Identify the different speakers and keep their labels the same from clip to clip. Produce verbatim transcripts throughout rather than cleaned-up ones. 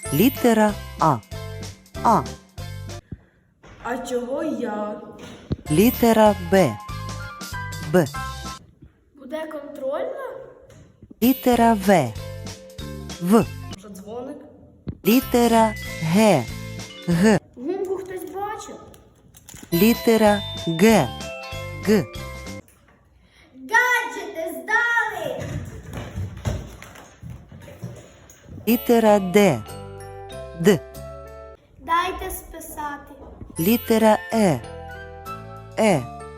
Speaker 1: Літера А. А.
Speaker 2: А чого я?
Speaker 1: Літера Б. Б.
Speaker 2: Буде контрольна?
Speaker 1: Літера В. В.
Speaker 2: Може дзвоник?
Speaker 1: Літера Г. Г.
Speaker 2: Гумку хтось бачив?
Speaker 1: Літера Г. Г.
Speaker 2: Гаджети здали!
Speaker 1: Літера Д. Д.
Speaker 2: Дайте списати.
Speaker 1: Літера Е. Е.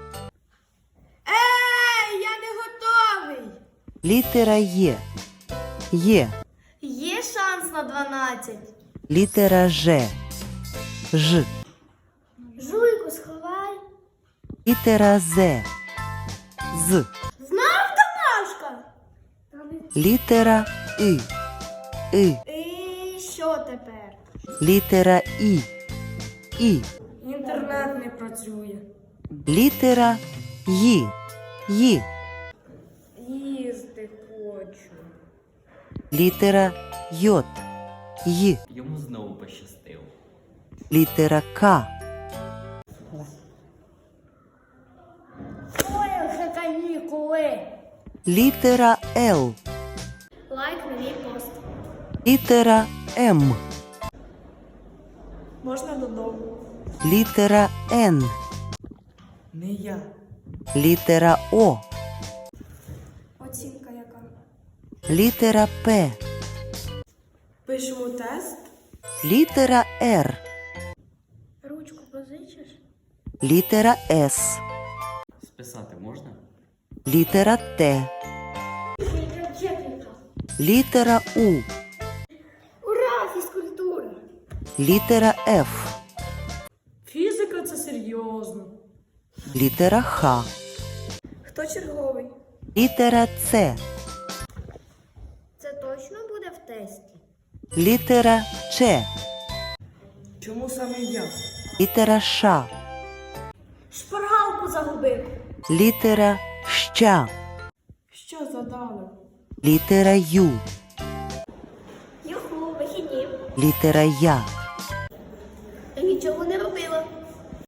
Speaker 2: Ей, я не готовий!
Speaker 1: Літера Є. Є.
Speaker 2: Є шанс на дванадцять.
Speaker 1: Літера Ж. Ж.
Speaker 2: Жуйку сховай.
Speaker 1: Літера З. З.
Speaker 2: Знав Тамашка?
Speaker 1: Літера И. И.
Speaker 2: І що тепер?
Speaker 1: Літера І. І.
Speaker 2: Інтернет не працює.
Speaker 1: Літера Ї. Ї.
Speaker 2: Їсти хочу.
Speaker 1: Літера Йот. Й.
Speaker 3: Йому знову пощастило.
Speaker 1: Літера К.
Speaker 2: Ой, вже канікули.
Speaker 1: Літера Л.
Speaker 2: Лайк на мій пост.
Speaker 1: Літера М.
Speaker 2: Можна додому.
Speaker 1: Літера Н.
Speaker 2: Не я.
Speaker 1: Літера О.
Speaker 2: Оцінка яка?
Speaker 1: Літера П.
Speaker 2: Пишемо тест.
Speaker 1: Літера Р.
Speaker 2: Ручку позичиш?
Speaker 1: Літера С.
Speaker 3: Списати можна?
Speaker 1: Літера Т. Літера У.
Speaker 2: Ура, фізкультура!
Speaker 1: Літера Ф.
Speaker 2: Фізика це серйозно.
Speaker 1: Літера Х.
Speaker 2: Хто черговий?
Speaker 1: Літера С.
Speaker 2: Це точно буде в тесті?
Speaker 1: Літера Ч.
Speaker 2: Чому саме я?
Speaker 1: Літера Ш.
Speaker 2: Шпаргалку загубив.
Speaker 1: Літера Щ.
Speaker 2: Що задали?
Speaker 1: Літера Ю.
Speaker 2: Юху, вихідні.
Speaker 1: Літера Я.
Speaker 2: Та нічого не